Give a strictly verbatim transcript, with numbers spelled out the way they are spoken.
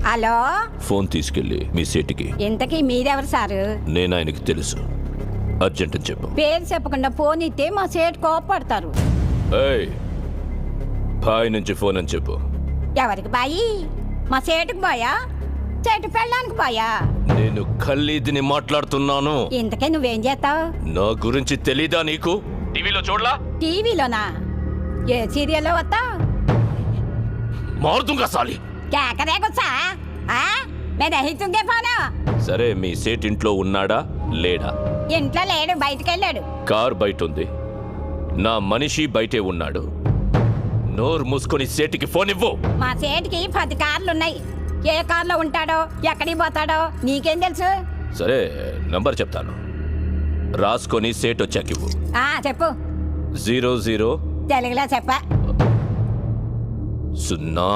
Hello, phone తీసుకెళ్ళి మీ సేటికి. ఇంతకీ మీరెవరు సారు? నేను ఆయనకి తెలుసు, అర్జెంట్ అని చెప్పు. పేరు చెప్పకుండా ఫోన్ ఇస్తే మా సేటు కోపడతారు. ఏయ్, బాయ్ నుంచి ఫోన్ అని చెప్పు. ఎవరికి బాయి? మా సేటుకు బాయా, చెట్టు పెళ్ళడానికి బాయా? నేను ఖల్లీదిని మాట్లాడుతున్నాను. ఇంతకే నువ్వేం చేస్తావు? నా గురించి తెలీదా నీకు? టీవీలో చూడలా? టీవీలోనా? ఏ సీరియల్లో వస్తావు? మారుతుంగా సాలి. కేకరే గుచ్చా మెదహితుంగే ఫోను. సరే, మీ సేట్ ఇంట్లో ఉన్నాడా లేడా? ఇంట్లో లేడు, బయటికి వెళ్ళాడు. కార్ బయట ఉంది, నా మనిషి బయటే ఉన్నాడు. నోరు మూసుకొని సేటికి ఫోన్ ఇవ్వు. మా సేటికి పది కార్లున్నాయి. ఏ కార్లో ఉంటాడో ఎక్కడికి పోతాడో నీకేం తెలుసు? సరే, నంబర్ చెప్తాను, రాసుకొని సేట్ వచ్చాక ఇవ్వు. ఆ చెప్పు. జీరో జీరో తెలుగులో చెప్ప. సున్నా